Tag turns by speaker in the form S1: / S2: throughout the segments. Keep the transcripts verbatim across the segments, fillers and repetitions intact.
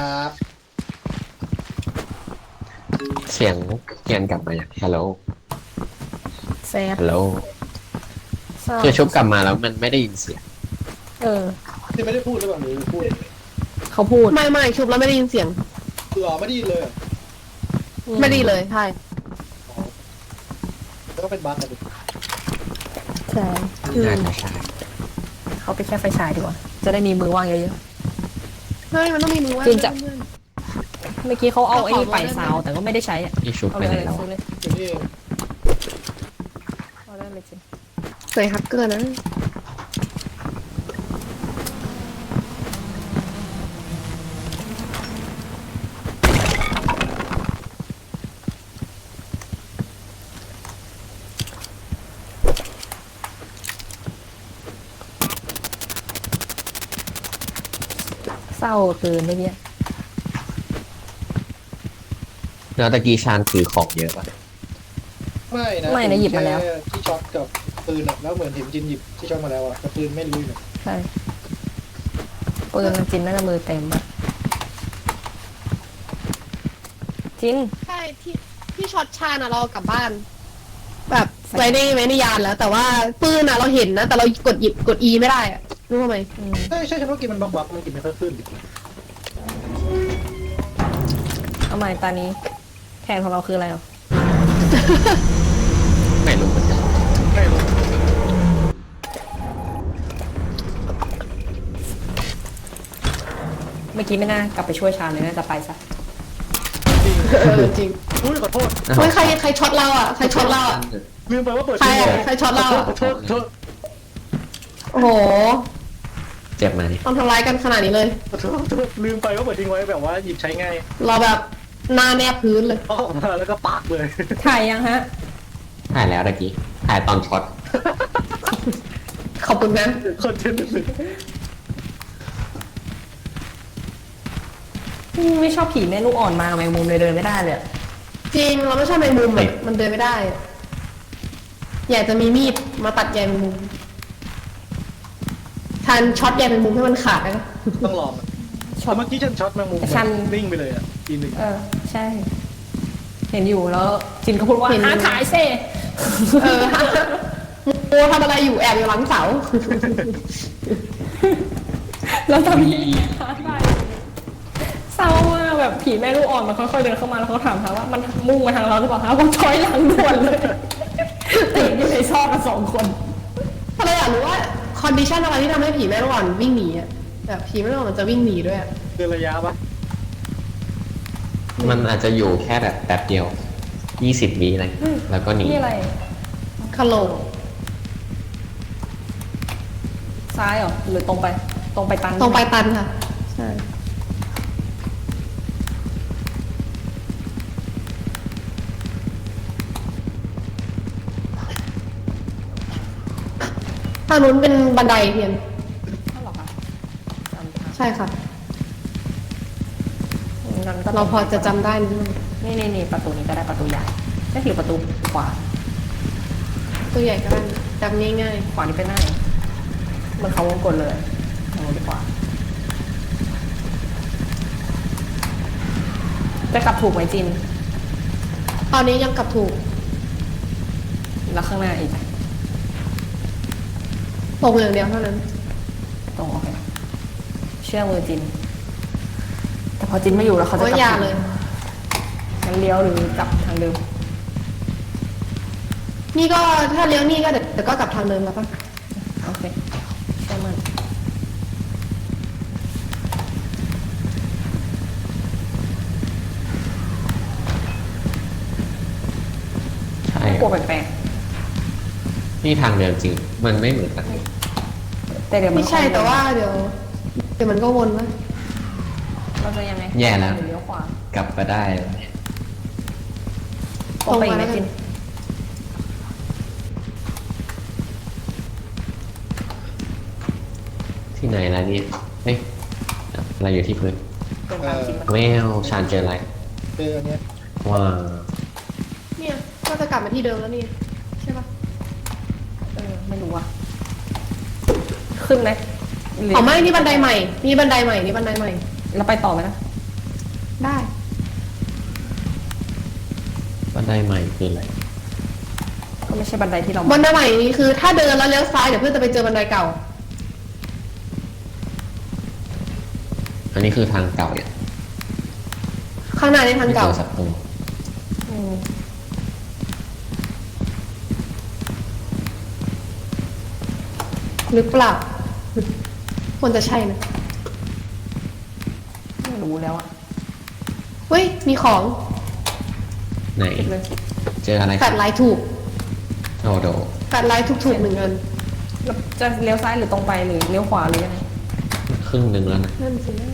S1: ครับ
S2: เสียงเกียนกลับมาอย่างฮัลโหล
S3: แซด
S2: ฮัลโหล
S3: เศร้า
S2: คือชุบกลับมาแล้วมันไม่ได้ยินเสียง
S3: เออ
S1: ที่ไม่ได้พูดหรือเปล่าหรือพูด
S3: เขาพูดไม่ไม่ชุบแล้วไม่ได้ยินเสียง
S1: คืออ๋อไม่ได้ยินเลยเหรอ
S3: ไม่ได้เลยใช่
S1: อ๋อแล้วก็เป็นบั๊กอะดิ
S3: ใช่
S2: น่าจะใช่
S3: เขาไปแค่ไฟฉายดีกว่าจะได้มีมือว่างเยอะ
S4: เฮ้ยมันต้องมีมือว่าง
S3: จริงจะ
S4: เพื่อน
S3: ๆเมื่อกี้เขาเอาไอ้นี่ไปซาวแต่ก็ไม่ได้ใช้อะ
S2: ที่ชุบ
S3: เอา
S2: ไป
S3: เลย
S2: ไหนแล้ว
S3: ซื้อเลย
S1: อย่างนี้เอง
S3: เอาได้เลยสิ
S4: ใส่ฮักเกอร์นะ
S3: เศร้าเกินเมื่อกี้
S2: แล้วตะกี้ชานถือของเยอะป่ะ
S1: ไม่นะ
S3: ไม่นะหยิบมาแล้ว
S1: ค่ที่ช็อตกับปืนอะแล้วเหมือนเห็นจินหยิบที่ช็อตมาแล้วอะแต่ปืนไม่รู้อยู่
S3: ใช่ปืนจินน่าจะมือเต็มอะจิน
S4: ใช่ที่ที่ช็อตชาญอะเราเอากลับบ้าน แบบไว้ในไว้ในยานแล้ว แต่ว่าปืนอะเราเห็นนะ แต่เรากดหยิบกด E ไม่ได้อะรู้ไหม
S3: อืม
S1: ใช่ใช่ฉันว่ากินมันบั๊กบั๊กมันกินไม่ค่อยขึ้น
S3: เอาใหม่ตานี้แผนของเราคืออะไรอ่ะ
S2: ไม่รู้เหมือนกัน
S1: ไม่รู้
S3: เมื่อกี้ไม่น่ากลับไปช่วยชาญเลยน่าจะไปซะ
S1: จริง
S4: เออจริง
S1: อุ้ยขอโทษ
S4: เฮ้ยใครใครช็อตเราอะใครช็อตเราอะ
S1: ลืมไปว่าเปิด
S4: ใคร
S1: ที
S4: อะ
S1: วี
S4: ใครช็อตเราอะ
S1: ขอโทษขอโทษ
S4: โอ้โห
S2: เจ็บไหม
S4: ต้องทำร้ายกันขนาดนี้เลย
S1: ขอโทษขอโทษลืมไปว่าเปิดทิ้งไว้แบบว่าหยิบใช้ง่าย
S4: เราแบบหน้าแนบพื้นเลย
S1: เอาออกมาแล้วก็ปากเลย
S3: ถ่ายยังฮะ
S2: ถ่ายแล้วตะกี้ถ่ายตอนช็อต
S4: ขอบคุณนะ
S1: คนเทนต์เลย
S3: ไม่ชอบผีแม่ลูกอ่อนมาแมงมุมเลยเดินไม่ได้เลยอะ
S4: จริงเราไม่ชอบแมงมุมอะมันเดินไม่ได้อะอยากจะมีมีดมาตัดใยแมงมุมทันช็อตใยแมงมุมให้มันขาดนะ
S1: ต้องลองอะเมื่อกี้ฉันช็อตแมงมุมนิ่งไปเลยอ่ะทีหนึ่ง
S3: เออใช่ เห็นอยู่แล้วจินก็พูดว่าหาถ่ายเซ่
S4: เออโมทำอะไรอยู่แอบอยู่หลังเสา
S3: แล้วตอนนี้หาถ่ายเศร้ามากแบบผีแม่ลูกอ่อนมันค่อยๆเดินเข้ามาแล้วเขาถามหาว่ามันมุ่งมาทางเราหรือเปล่าคะว่าช้อยหลังด่วนเลยติดอยู่ในซอกกันสองคน
S4: ถ้าเราอยากรู้ว่าคอนดิชันอะไรที่ทำให้ผีแม่ลูกอ่อนวิ่งหนีอ่ะแบบผีแม่ลูกอ่อนมันจะวิ่งหนีด้วยอะ
S1: เดินระยะปะ
S2: มันอาจจะอยู่แค่แบบแป๊บเดียวยี่สิบวิอะไรแล้วก็หนี
S3: นี่อะไร
S4: คาโล
S3: ซ้ายเหรอหรือตรงไป ตรงไปตัน
S4: ตรงไปตันค่ะใช่ทางนู้นเป็นบันไดเพียน
S3: นั่นหรอคะจำทาง
S4: ใช่ค่ะ
S3: งั้นก็
S4: เราพอจะจำได้นิดนึง
S3: นี่นี่นี่ประตูนี้ก็ได้ประตูใหญ่ได้ถือประตูขวา
S4: ตัวใหญ่ก็ได้จำง่าย
S3: ขวานี่ไปไหนมันเขาวงกลเลยทางดีขวาจะกลับถูกไหมจิน
S4: ๆตอนนี้ยังกลับถูก
S3: แล้วข้างหน้าอีก
S4: ตรงอย่างเดียวเท่านั้น
S3: ตรงโอเคเชื่อมือจิน แต่พอจินไม่อยู่แล้วเขาจะ
S4: โอ้ย
S3: กลั
S4: อย่า
S3: บ
S4: เลย
S3: งั้นเลี้ยวหรือกลับทางเดิม
S4: นี่ก็ถ้าเลี้ยวนี่ก็เดี๋ยวเดี๋ยวก็กลับทางเดิมแล้วป่ะ
S3: โอเคเชื่อมัน
S2: ใช่
S3: กลัวแปลก
S2: นี่ทางเดินจริง มันไม่เหมือนกัน
S3: ๆแต่เดี๋ยวมัน
S4: ไม่ใช่แต่ว่าเดี๋ยวเดี๋ยวมันก็วนนะ
S3: เราจะยังไง
S2: แย่แล้ว
S3: หรือเลี้ยวขวาก
S2: ลับมาได้
S3: ตรงไปอีกไหมจิน
S2: ที่ไหนล่ะเนี่ยเฮ้ยอะไรอยู่ที่พื้น
S3: ตรงตามจินปะ
S2: แมวชานเจออะไร
S1: เจออันเนี้ย
S2: ว้า
S4: เนี่ยก็จะกลับมาที่เดิมแล้วนี่ใช่ป่ะ
S3: เออไม่รู้อะขึ้นไหมหรื
S4: อ๋อไม่นี่บันไดใหม่นี่บันไดใหม่นี่บันไดใหม่
S3: แล้วไปต่อไหมนะ
S2: บันไดใหม่คืออะไร
S3: ก็ไม่ใช่บันไดที่เรา
S4: บันไดใหม่นี้คือถ้าเดินแล้วเลี้ยวซ้ายเดี๋ยวเพื่อนจะไปเจอบันไดเก่า
S2: อันนี้คือทางเก่าเนี่ย
S4: ข้างหน้านี่ทางเก่า
S2: ไม่จอศัตรู
S3: อืม
S4: หรือเปล่าควรจะใช่นะ
S3: ไม่รู้แล้วอะ
S4: เฮ้ยมีของ
S2: ไหน
S3: คิดเลย
S2: เจออะไร
S4: แฟลชไลท์ถูก
S2: โอ้โด
S4: แฟลชไลท์ถูกถูกๆหนึ่งอัน
S3: แล้วจะเลี้ยวซ้ายหรือตรงไปหรือเลี้ยวขวาหรือยังไง
S2: ครึ่งหนึ่งแล้วนะ
S4: นั่นสิ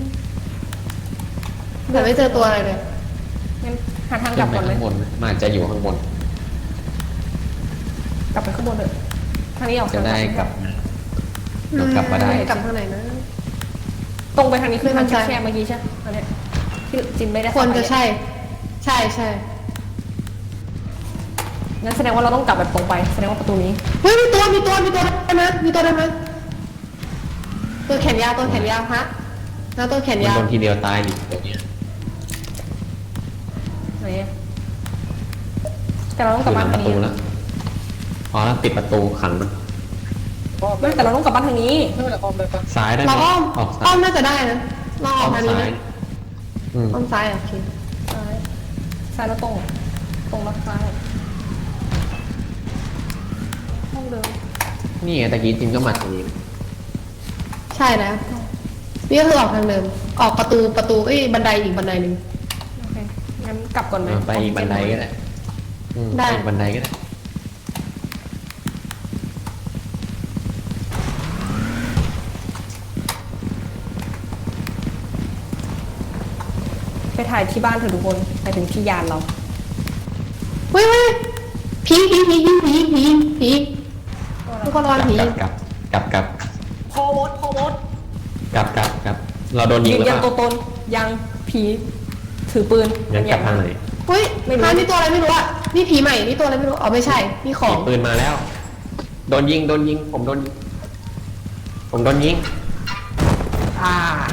S4: แต่ไม่เจอตัวอะไรเลย
S3: งั้นหาทางก
S2: ขึ้
S3: ลั
S2: น
S3: บ
S2: ไป
S3: ก่อนไหม
S2: ข้างบนไหมมันอาจจะอยู่ข้างบน
S3: กลับไปข้างบนเถอะทางนี้ออก
S2: จะ
S3: ทาง
S2: ได้กลับมาเรากลับมาได้
S4: กลับทางไหนนะ
S3: ตรงไปทางนี้คือทาง
S4: ไม่มั่นใจ
S3: แคบๆเมื่อกี้ใช่ไหมอันเนี้ยที่จินไม่ได้
S4: ควร
S3: เข้าไป
S4: จะใช่ ใช่ใช่
S3: งั้นแสดงว่าเราต้องกลับแบบตรงไปแสดงว่าประตูนี้
S4: เฮ้ยมีตัวมีตัวมีตัวได้ไหมมีตัวได้ไหมตัวแขนยาวตัวแขนยาวฮะแล้วตัวแขน
S2: มัน
S4: ยาว
S2: โดนทีเดียวตายดิเดี๋ยวนี้
S3: ไหนอะแต่เราต้องก
S2: คื
S3: ลับ
S2: อห
S3: บ้า
S2: ลั
S3: น
S2: งป
S3: ทาง
S2: ระตู
S3: นี้
S2: แล้วพอแล้วปิดประตูขังมัน
S1: อ้อม
S3: ไม่แต่เราต้องกลับบ้านทางนี้
S1: ไม่เป็นไรอ้อมได้ปะ
S2: ซ้ายได้ไหม
S4: เราอ้อม
S2: ออกซ้า
S4: อ้อย มน่าจะได้นะเราอ
S2: อ้
S4: อ
S2: อก ม
S4: ทางนี้
S2: ซ้า
S4: ไหม
S2: ยอืม
S4: อ้อมซ้ายโอเค
S3: ซ้ายซ้ายแล้วตรง ตรงแล้วซ้ายห้องเดิม
S2: นี่ไงตะกี้จินก็มาทางนี้
S4: ใช่แล้วนี่ก็คือออกทางเดิม ออกประตูประตูเอ้ยบันไดอีกบันไดหนึ่ง
S3: โอเคงั้นกลับก่อนไหม
S2: อ่าไปอีกบันไดก็ได้อืม
S4: ได้
S2: ไปอีกบันไดก็ได้
S3: ไปถ่ายที่บ้านเถอะทุกคนไปถึงที่ยานเรา
S4: เฮ้ยเฮ้ยผีผีผีผีผีผีผีทุกคนรอนผี
S2: กลับกลับกลับ
S3: พอมดพอมด
S2: กลับกลับกลับเราโดนยิง
S3: ยื
S2: หรื
S3: น
S2: อ
S3: ยัน
S2: เป
S3: ตัว
S2: ล่า
S3: ตนยังผีถือปืน
S2: งั้นกลับทางไหน
S4: เฮ้ย
S3: ไม่รู้
S4: ฮะนี่ตัวอะไรไม่รู้อะนี่ผีใหม่นี่ตัวอะไรไม่รู้อ๋อไม่ใช่นี่ขอ
S2: มี
S4: ง
S2: ปืนมาแล้ว โดนยิงโดนยิง ผมโดนยิงผมโดนยิง
S3: อ่าร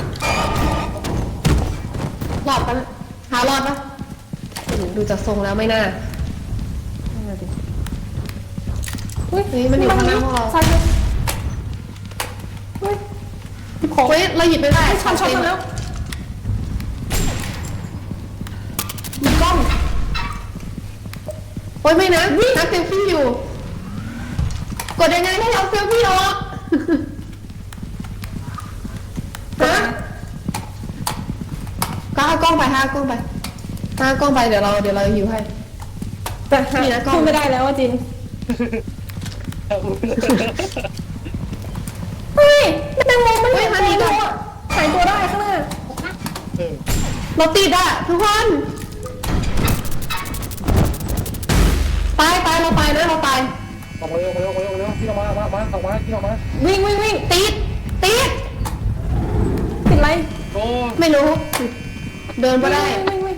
S4: อดปะนะหารอดปะดูจากทรงแล้วไม่น่า
S3: นั่นแหละดิเฮ้ย
S4: เฮ้ยมันอยู่ข้างหน้าพวกเรา
S3: ซ้ายมือเฮ้ยพี่ของ
S4: เฮ้ยเราหยิบไม่ได้
S3: ชันช็อตมาแล้ว
S4: มีกล้องโอ้ยไม่นะนักเซลฟี่อยู่ กดยังไงให้เราเซลฟี่ออกฮะก็เอากล้องไปห้ากล้องไปห้ากล้องไปเดี๋ยวเราเดี๋ยวเราหิวให้
S3: แต่หา
S4: มีนะกล้อง
S3: พูดไม่ได้แล้วว่าจินเฮ้ยแมงมุมมัน
S4: เฮ้ยมานี่ก่อน
S3: หายตัวได้ข้างหน้า
S1: เออ
S4: เราติดอ่ะทุกคนไปไปเราไปนะเราไป
S1: ออกมาเร็วออกมาเร็วออกมาเร็วพี่ออกมามามาออกมาพี่ออกมา
S3: วิ่งวิ่งวิ่ง
S4: ติดติด
S3: ติดอะไร
S1: โอ้
S4: ไม่รู้ เดินไปได้
S3: วิ่งวิ่ง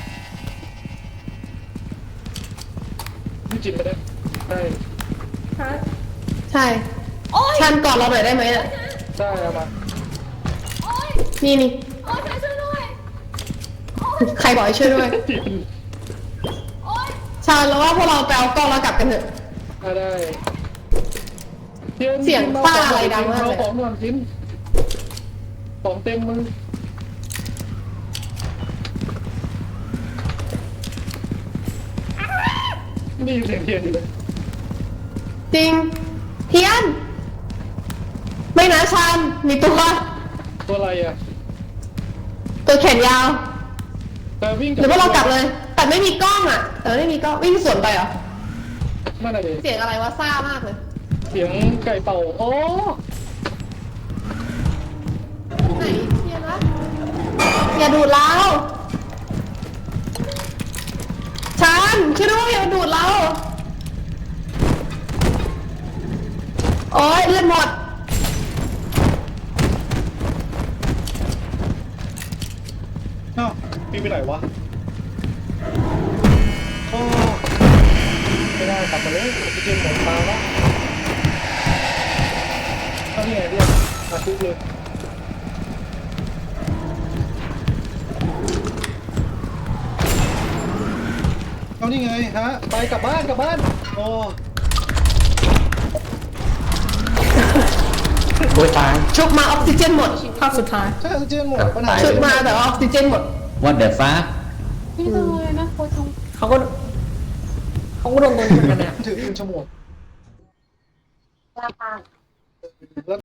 S1: พี่จินไม่ได้ได้
S3: หา
S4: ใช่
S3: โอ๊ย
S4: ชันกอดเราหน่อยได้ไหมอ่ะ
S1: ได้เอามา
S3: โอ๊ย
S4: นี่นี่
S3: โอ๊ยช่วยด้วย
S4: ใครบอกให้ช่วยด้วย
S1: จิน
S3: โอ๊ย
S4: ชันแล้วว่าพวกเราไปเอากล้องแล้วกลับกันเถอะ
S1: ได้ได้
S4: เสียงป้าอะไรดังมากเลย
S1: เอาของก่อนจินของเต็มมือนี่เสียงเทียนอยู่เลย
S4: จริง เทียน ไม่นะชันมีตัว
S1: ตัวอะไรอ่ะ
S4: ตัวแขนยาว
S1: แต่วิ่ง
S4: หรือว่าเรากลับเลย แต่ไม่มีกล้องอ่ะ แต่ไม่มีกล้องวิ่งสวนไปเหรอ
S1: ไม่ได้เลย
S4: เสียงอะไรวะซ่ามากเลย
S1: เสียงไก่เป่าโอ้
S4: ไหนเทียนวะอย่าดูดเราชันช่วยด้วยอย่าดูดเราโอ๊ยเลือดหมด
S1: เอ้าพี่ไปไหนวะโอ้ไม่ได้กลับมาเลยพี่จินหมดตาแล้วเอานี่ไงเรียกมาทุกเลยเอานี่ไงฮะไปกลับบ้านกลับบ้านโอ้
S2: โอ้ยตาย
S4: ชุบมาออกซิเจนหมด
S3: ภาพสุดท้าย
S1: ใช่ออกซิเจนหมดปัญหา
S4: ชุบมาแต่ว่าออกซิเจนหมด
S5: What the fuck
S6: พี่เลยนะโคตร
S3: เขาก็เขาก็โดนตัวนี้เหมือนกันเนี่ย
S1: ถือปืนฉมวก
S6: ลาปาง
S1: แล้ว